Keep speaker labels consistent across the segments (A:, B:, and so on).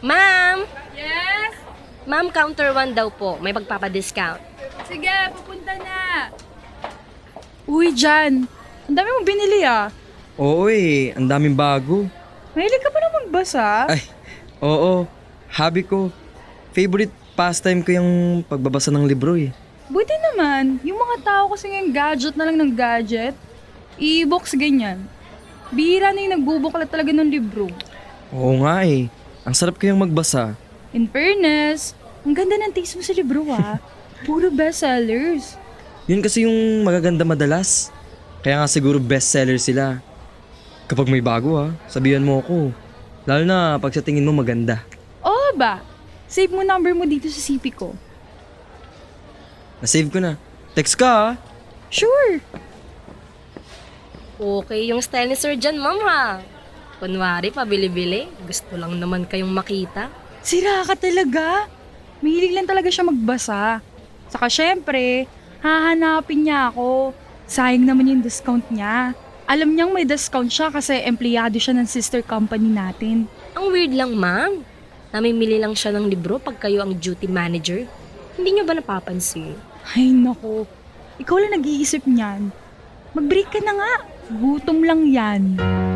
A: Ma'am!
B: Yes?
A: Ma'am, counter 1 daw po. May pagpapadiscount.
B: Sige, pupunta na. Uy, Jan. Ang dami mong binili ah.
C: Oo ang daming bago.
B: Mahilig ka pa na magbasa?
C: Ay, oo. Hobby ko. Favorite pastime ko yung pagbabasa ng libro eh.
B: Buti naman. Yung mga tao kasi ngayon gadget na lang ng gadget. E-books ganyan. Bihira na yung nagbubuklat talaga ng libro.
C: Oo nga eh. Ang sarap kayang magbasa.
B: In fairness, ang ganda ng taste mo sa libro ah. Puro bestsellers.
C: Yun kasi yung magaganda madalas. Kaya nga siguro bestseller sila. Kapag may bago sabihan mo ako. Lalo na pag sa tingin mo maganda.
B: Oo ba? Save mo number mo dito sa CP ko.
C: Nasave ko na. Text ka
B: Sure.
A: Okay yung style ni Sir John, ma'am ha. Kunwari, pabili-bili. Gusto lang naman kayong makita.
B: Sira ka talaga. Mahilig lang talaga siya magbasa. Saka syempre, hahanapin niya ako. Sayang naman yung discount niya. Alam niyang may discount siya kasi empleyado siya ng sister company natin.
A: Ang weird lang, ma'am. Namimili lang siya ng libro pag kayo ang duty manager. Hindi niyo ba napapansin?
B: Ay nako, ikaw lang nag-iisip niyan. Mag-break ka na nga. Gutom lang yan.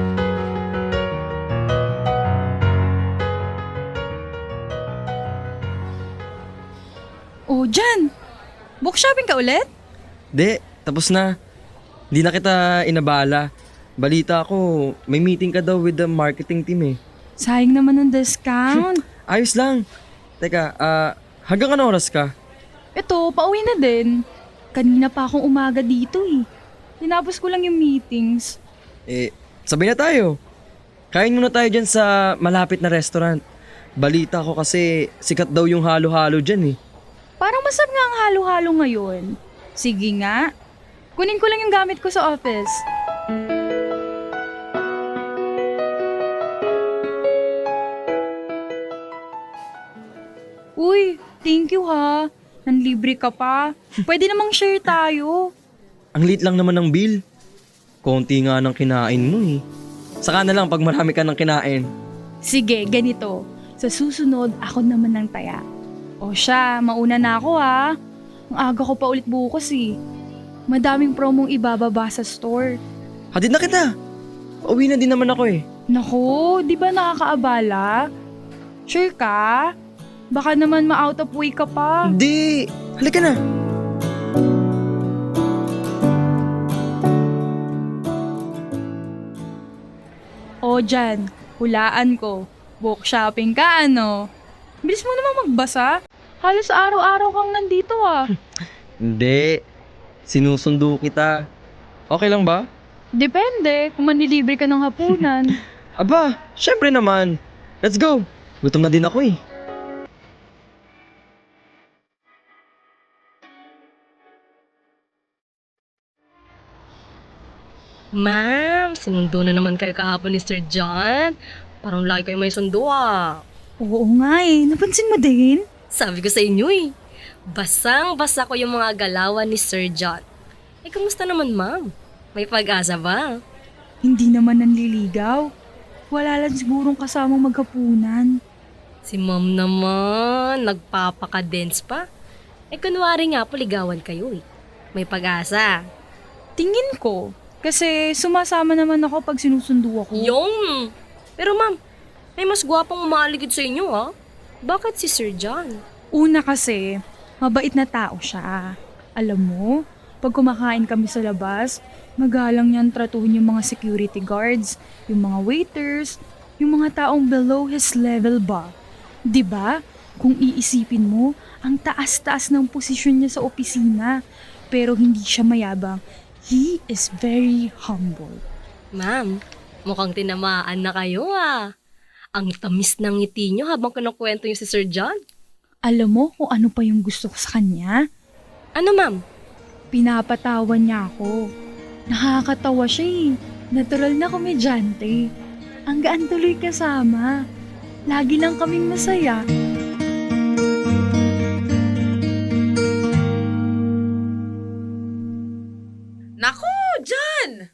B: Oh, Jan! Book shopping ka ulit?
C: De, tapos na. Hindi na kita inabala. Balita ko, may meeting ka daw with the marketing team eh.
B: Sayang naman ng discount.
C: Ayos lang. Teka, hanggang anong oras ka?
B: Ito, pauwi na din. Kanina pa akong umaga dito eh. Tinapos ko lang yung meetings.
C: Sabay na tayo. Kain muna tayo dyan sa malapit na restaurant. Balita ko kasi sikat daw yung halo-halo dyan eh.
B: Parang masarap nga ang halo-halo ngayon. Sige nga. Kunin ko lang yung gamit ko sa office. Uy, thank you ha. Nanlibre ka pa. Pwede namang share tayo.
C: Ang liit lang naman ng bill. Konti nga ng kinain mo eh. Saka na lang pag marami ka ng kinain.
B: Sige, ganito. Sa susunod, ako naman ng taya. O siya, mauna na ako ha. Ang aga ko pa ulit bukas eh. Madaming promong ibababa sa store.
C: Hatid na kita. Pauwi na din naman ako eh.
B: Naku, di ba nakakaabala? Sure ka? Baka naman ma-out of way ka pa.
C: Hindi. Halika na.
B: O dyan, hulaan ko. Book shopping ka ano? Bilis mo naman magbasa. Halos araw-araw kang nandito ah.
C: Hindi. Sinusundo kita. Okay lang ba?
B: Depende kung manlilibre ka ng hapunan.
C: Aba, syempre naman. Let's go. Gutom na din ako eh.
A: Ma'am, sinundo na naman kayo kahapon ni Sir John. Parang lagi kayo may sundo ah.
B: Oo nga eh, napansin mo din?
A: Sabi ko sa inyo eh. Basang-basa ko yung mga galawan ni Sir John. Kamusta naman ma'am? May pag-asa ba?
B: Hindi naman nanliligaw. Wala lang sigurong kasamang maghapunan.
A: Si ma'am naman, nagpapaka-dense pa. Kunwari nga po ligawan kayo eh. May pag-asa.
B: Tingin ko, kasi sumasama naman ako pag sinusundo ako.
A: Yung! Pero ma'am, may mas gwapang umaligid sa inyo ha? Bakit si Sir John?
B: Una kasi, mabait na tao siya. Alam mo, pag kumakain kami sa labas, magalang niyan tratuhin yung mga security guards, yung mga waiters, yung mga taong below his level ba. 'Di ba? Kung iisipin mo, ang taas-taas ng posisyon niya sa opisina, pero hindi siya mayabang. He is very humble.
A: Ma'am, mukhang tinamaan na kayo ah. Ang tamis ng ngiti nyo habang kinukwento nyo si Sir John.
B: Alam mo kung ano pa yung gusto ko sa kanya?
A: Ano ma'am?
B: Pinapatawan niya ako. Nakakatawa siya eh. Natural na komedyante. Ang gaan tuloy kasama. Lagi lang kaming masaya.
D: Naku, John!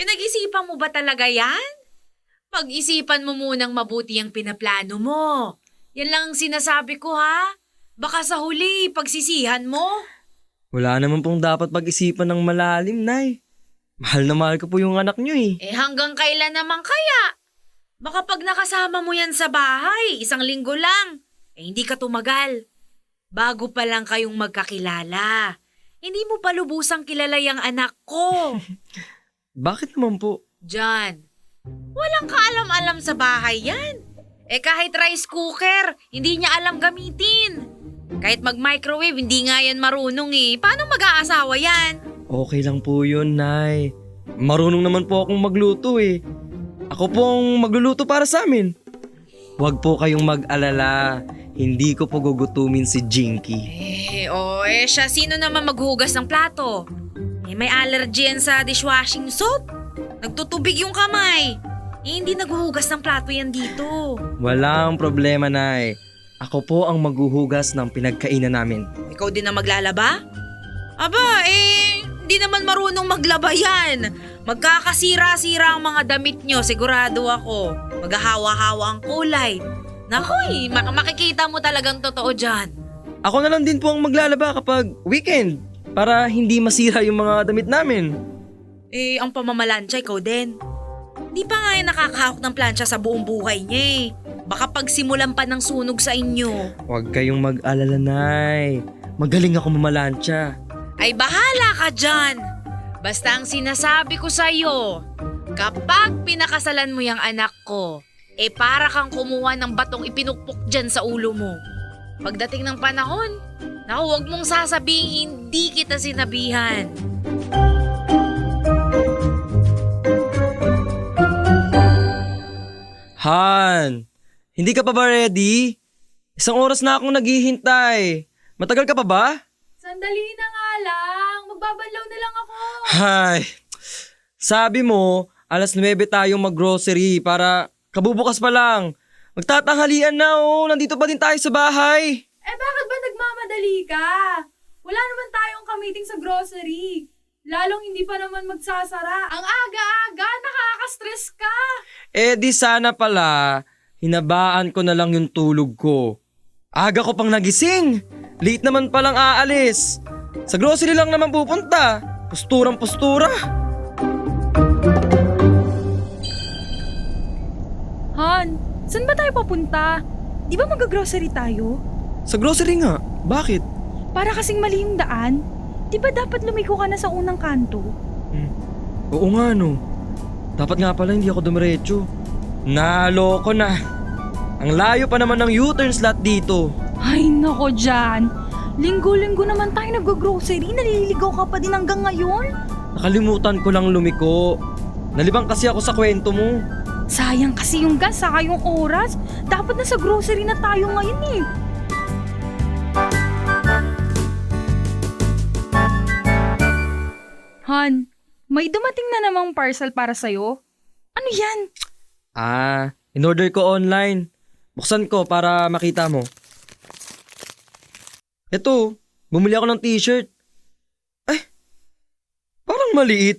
D: Pinag-isipan mo ba talaga yan? Pag-isipan mo munang mabuti ang pinaplano mo. Yan lang ang sinasabi ko ha. Baka sa huli, pagsisihan mo.
C: Wala naman pong dapat pag-isipan ng malalim, Nay. Mahal na mahal ko po yung anak niyo eh.
D: Hanggang kailan naman kaya? Baka pag nakasama mo yan sa bahay, 1 linggo lang. Hindi ka tumagal. Bago pa lang kayong magkakilala. Hindi mo pa lubusang kilala yung anak ko.
C: Bakit naman po?
D: John, walang kaalam-alam sa bahay yan. Kahit rice cooker, hindi niya alam gamitin. Kahit mag-microwave, hindi nga yan marunong Paano mag-aasawa yan?
C: Okay lang po yun, Nay. Marunong naman po akong magluto eh. Ako pong magluluto para sa amin. Huwag po kayong mag-alala. Hindi ko po gugutumin si Jinky.
D: Siya, sino naman maghugas ng plato? May allergy yan sa dishwashing soap. Nagtutubig yung kamay. Hindi naghuhugas ng plato yan dito.
C: Walang problema, Nay. Ako po ang maghuhugas ng pinagkainan namin.
D: Ikaw din na maglalaba? Aba, hindi naman marunong maglaba yan. Magkakasira-sira ang mga damit nyo, sigurado ako. Maghahawa-hawa ang kulay. Naku, makikita mo talagang totoo dyan.
C: Ako na lang din po ang maglalaba kapag weekend para hindi masira yung mga damit namin.
D: Ang pamamalansya, ikaw din. Di pa nga yan nakakahawak ng plancha sa buong buhay niya Baka pagsimulan pa ng sunog sa inyo.
C: Huwag kayong mag-alala, Nay. Magaling ako mamalansya.
D: Ay bahala ka dyan. Basta ang sinasabi ko sa'yo, kapag pinakasalan mo yung anak ko, para kang kumuha ng batong ipinukpok dyan sa ulo mo. Pagdating ng panahon, huwag mong sasabihin hindi kita sinabihan.
C: Han, hindi ka pa ba ready? 1 oras na akong naghihintay. Matagal ka pa ba?
B: Sandali na nga lang. Magbabanlaw na lang ako.
C: Hay, sabi mo, 9:00 tayong mag-grocery para kabubukas pa lang. Magtatanghalian na nandito pa din tayo sa bahay.
B: Bakit ba nagmamadali ka? Wala naman tayong ka-meeting sa grocery. Lalong hindi pa naman magsasara. Ang aga-aga, nakaka-stress ka.
C: Di sana pala, hinabaan ko na lang yung tulog ko. Aga ko pang nagising. Late naman palang aalis. Sa grocery lang naman pupunta. Posturang-postura.
B: Han, saan ba tayo papunta? Di ba mag-grocery tayo?
C: Sa grocery nga. Bakit?
B: Para kasing mali yung daan. Di ba dapat lumiko ka na sa unang kanto?
C: Oo nga no. Dapat nga pala hindi ako dumiretso. Naloko na. Ang layo pa naman ng U-turn slot dito.
B: Ay nako dyan. Linggo-linggo naman tayo nag-grocery. Naliligaw ka pa din hanggang ngayon?
C: Nakalimutan ko lang lumiko. Nalibang kasi ako sa kwento mo.
B: Sayang kasi yung gas, saka yung oras. Dapat na sa grocery na tayo ngayon Han, may dumating na namang parcel para sa'yo. Ano yan?
C: In-order ko online. Buksan ko para makita mo. Eto, bumili ako ng t-shirt. Parang maliit.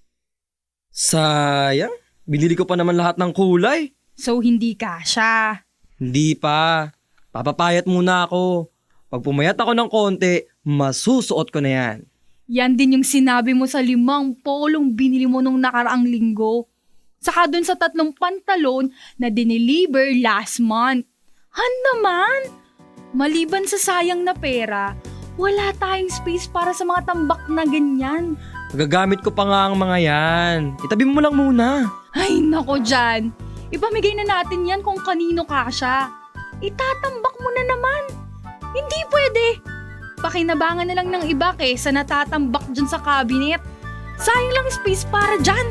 C: Sayang, binili ko pa naman lahat ng kulay.
B: So hindi kasha.
C: Hindi pa. Papapayat muna ako. Pag pumayat ako ng konti, masusuot ko na yan.
B: Yan din yung sinabi mo sa 5 polong binili mo nung nakaraang linggo. Saka dun sa 3 pantalon na dineliver last month. Han naman! Maliban sa sayang na pera, wala tayong space para sa mga tambak na ganyan.
C: Magagamit ko pa nga ang mga yan. Itabi mo lang muna.
B: Ay nako dyan, ipamigay na natin yan kung kanino kasya. Itatambak mo na naman. Hindi pwede. Pakinabangan na lang ng iba kaysa natatambak dyan sa cabinet. Sayang lang space para dyan.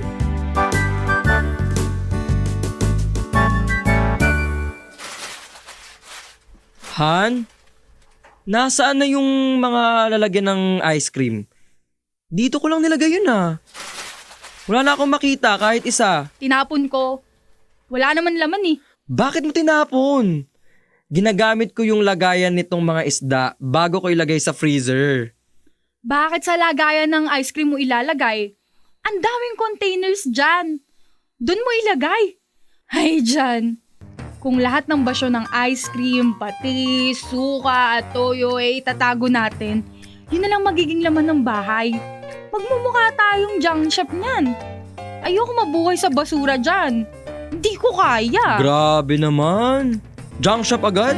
C: Han? Nasaan na yung mga lalagyan ng ice cream? Dito ko lang nilagay yun Wala na akong makita kahit isa.
B: Tinapon ko. Wala naman laman
C: Bakit mo tinapon? Ginagamit ko yung lagayan nitong mga isda bago ko ilagay sa freezer.
B: Bakit sa lagayan ng ice cream mo ilalagay? Ang daming containers dyan. Doon mo ilagay. Ay, dyan. Kung lahat ng basyo ng ice cream, patis, suka at toyo ay itatago natin, yun na lang magiging laman ng bahay. Magmumukha tayong junk shop niyan. Ayoko mabuhay sa basura dyan. Hindi ko kaya.
C: Grabe naman. Junk shop agad?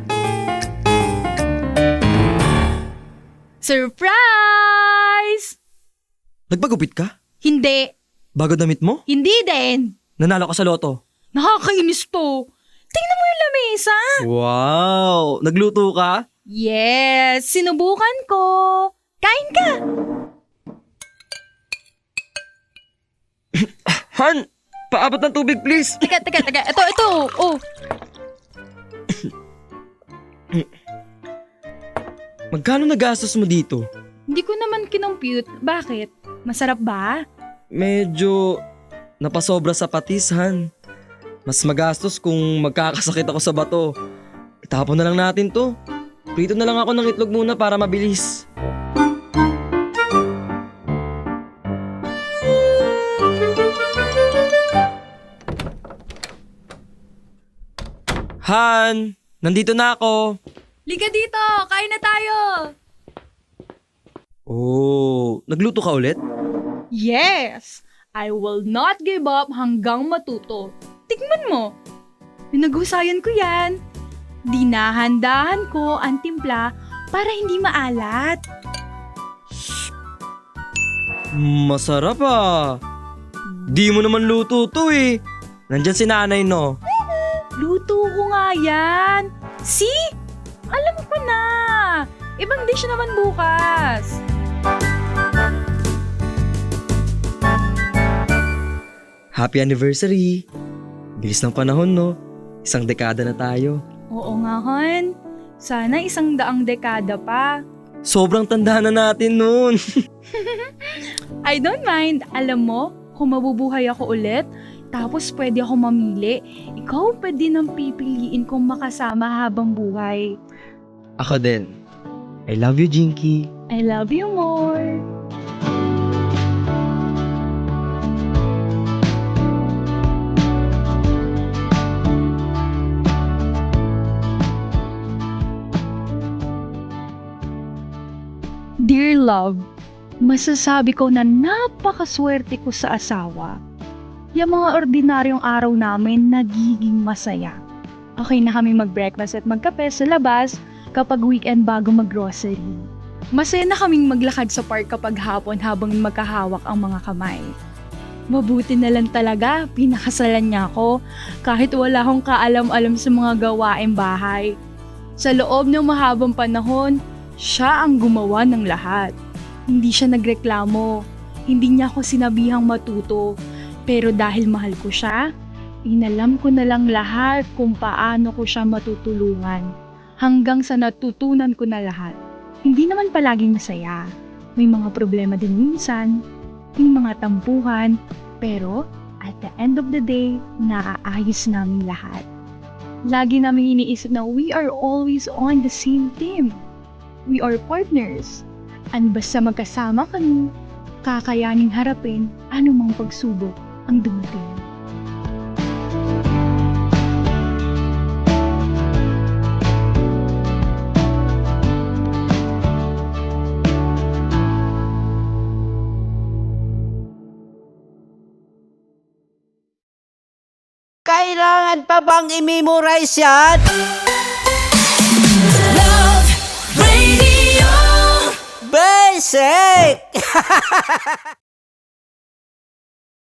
B: Surprise!
C: Nagpagupit ka?
B: Hindi.
C: Bago damit mo?
B: Hindi din.
C: Nanalo ka sa loto?
B: Nakakainis to. Tingnan mo yung lamesa.
C: Wow! Nagluto ka?
B: Yes, sinubukan ko. Kain ka.
C: Han! Paabot ng tubig, please!
B: Teka. Ito. Oh.
C: Magkano nagastos mo dito?
B: Hindi ko naman kinompute. Bakit? Masarap ba?
C: Medyo napasobra sa patis, Han. Mas magastos kung magkakasakit ako sa bato. Itapon na lang natin to. Prito na lang ako ng itlog muna para mabilis. Han! Nandito na ako!
B: Liga dito, kain na tayo.
C: Oh, nagluto ka ulit?
B: Yes, I will not give up hanggang matuto. Tignan mo. Pinaghusayan ko yan. Dinahandahan ko ang timpla para hindi maalat.
C: Masarap ah. Di mo naman luto to eh. Nandyan si nanay no.
B: Luto ko nga yan. See? Alam ko na. Ibang dish naman bukas.
C: Happy anniversary. Bilis ng panahon no. Isang dekada na tayo.
B: Oo nga, hon. Sana 100 dekada pa.
C: Sobrang tanda na natin nun.
B: I don't mind. Alam mo, kung mabubuhay ako ulit, tapos pwede ako mamili, ikaw pa din ang pipiliin kong makasama habang buhay.
C: Ako din. I love you, Jinky.
B: I love you more. Dear love, masasabi ko na napakaswerte ko sa asawa. Yung mga ordinaryong araw namin nagiging masaya. Okay na kami mag-breakfast at magkape sa labas kapag weekend bago mag-grocery. Masaya na kaming maglakad sa park kapag hapon habang magkahawak ang mga kamay. Mabuti na lang talaga, pinakasalan niya ako kahit wala akong kaalam-alam sa mga gawaing bahay. Sa loob ng mahabang panahon, siya ang gumawa ng lahat. Hindi siya nagreklamo, hindi niya ako sinabihang matuto, pero dahil mahal ko siya, inalam ko na lang lahat kung paano ko siya matutulungan. Hanggang sa natutunan ko na lahat. Hindi naman palaging masaya. May mga problema din minsan, may mga tampuhan, pero at the end of the day, naaayos namin lahat. Lagi namin iniisip na we are always on the same team. We are partners. And basta magkasama kami, kakayaning harapin anumang pagsubok ang dumating.
E: Kailangan pa bang i-memorize yan? Basic!